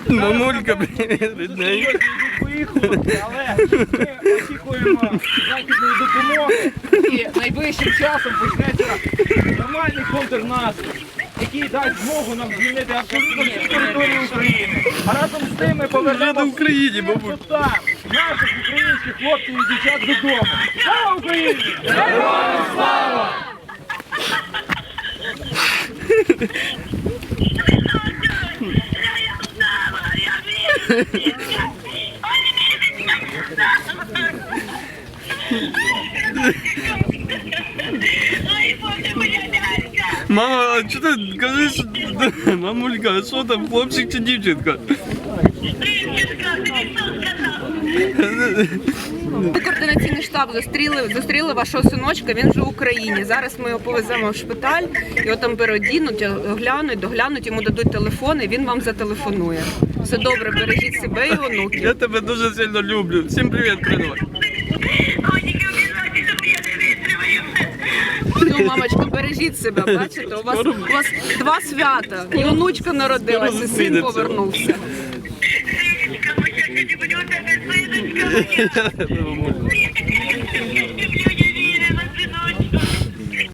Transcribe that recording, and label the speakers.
Speaker 1: Мамулька, привіт, рідненька.
Speaker 2: Поїхали, але ми очікуємо західної допомоги і найближчим часом почнеться нормальний контрнаступ, який дасть змогу нам звільнити абсолютно всю територію України. А разом з тим ми повернемо
Speaker 1: в Україні,
Speaker 2: всіх
Speaker 1: бабуль.
Speaker 2: татар, наших українських хлопців і дівчат додому. Слава Україні! Героям слава!
Speaker 1: Мама, а що ти кажеш? Мамулька, а що там, хлопчик чи дівчинка?
Speaker 3: Координаційний штаб зустріли вашого синочка, він вже в Україні. Зараз ми його повеземо в шпиталь, його там переодінуть, доглянуть, йому дадуть телефон і він вам зателефонує. Все добре, бережіть себе і онуків.
Speaker 1: Я тебе дуже сильно люблю. Всім привіт, передавай.
Speaker 3: Ну, мамочка, бережіть себе, бачите, у вас два свята. І онучка народилася, і син повернувся.
Speaker 1: Я тебе люблю.